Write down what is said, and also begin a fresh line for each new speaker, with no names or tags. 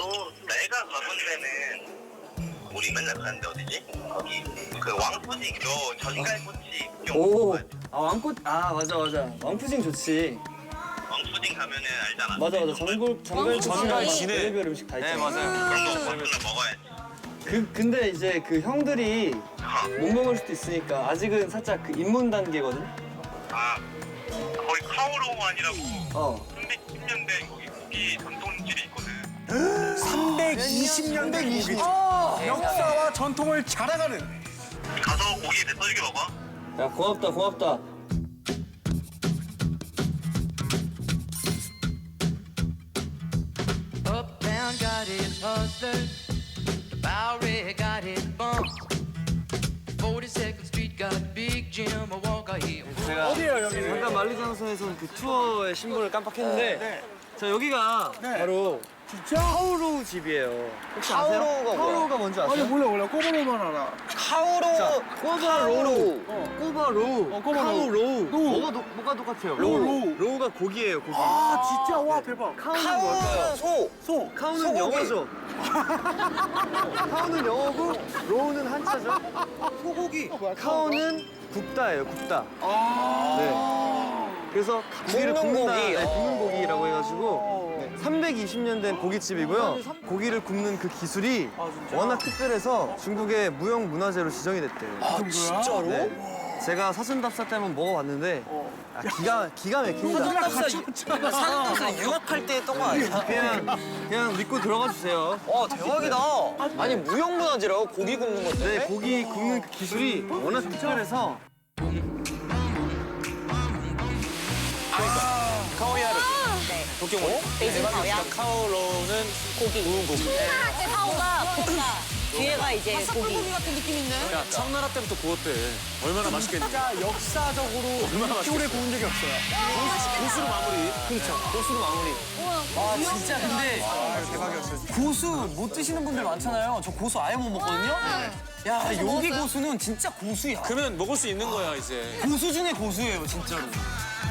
내가 가본 데는 우리 맨날 가는데 어디지? 거기 그 왕푸딩 요 전갈꼬치
오, 아 왕꽃, 아 맞아. 왕푸딩 좋지.
왕푸딩 가면은 알잖아.
맞아. 전갈치랑 별의별 음식 다 있잖아.
네, 맞아요.
그런 거 맨날 먹어야지.
근데 이제 그 형들이 못 먹을 수도 있으니까 아직은 살짝 그 입문 단계거든.
아 거기 카오롱완이라고
어.
310년 된 거기 고기 전통집이 있거든.
320년 된 고기. 역사와 전통을 자랑하는.
가서 고기 배 터지게 먹어.
야 고맙다.
Uptown got its hustlers, the Bowery got its bumps. 42nd Street got Big Jim, a Walker here.
제가
어디예요, 여기는?
잠깐 만리장성에서는 그 투어의 신분을 깜빡했는데 자 여기가 바로
진짜?
카오로우 집이에요. 혹시 아세요? 카오로우가 뭔지 아세요?
아니 몰라. 꼬바로만 알아.
꼬바로우.
꼬바로우.
카오로우.
로우.
뭐가 똑같아요?
로우.
로우가 고기예요, 고기.
아 진짜 와 대박.
카우는 뭘까요?
소.
카우는 영어죠. 카우는 영어고 로우는 한자죠. 소고기. 카우는 굽다예요, 굽다. 네. 그래서 고기를 굽는다. 네, 굽는 고기라고 해가지고 320년 된 고깃집이고요. 고기를 굽는 그 기술이 워낙 특별해서 중국의 무형문화재로 지정이 됐대요.
아 진짜로?
네. 제가 사슴답사 때 한번 먹어봤는데 기가 막힙니다.
사슴답사 유학할 때 했던 거 아니야?
그냥 믿고 들어가 주세요.
와, 대박이다. 아니, 무형문화재라고? 고기 굽는 건데?
네, 고기 굽는 그 기술이 워낙 특별해서
카오야르. 도쿄모.
베이징 카오야.
카오로는 구운 고기.
카오가 볶다. 뒤에가 이제 고기.
야, 청나라 때부터 구웠대. 얼마나 맛있겠니?
진짜 역사적으로 이렇게 오래 구운 적이 없어요.
고수로 마무리.
그렇죠.
고수로 마무리.
아 진짜 근데
대박이었어요.
고수 못 드시는 분들 많잖아요. 저 고수 아예 못 먹거든요. 야 여기 고수는 진짜 고수야.
그러면 먹을 수 있는 거야, 이제.
고수 중에 고수예요 진짜로.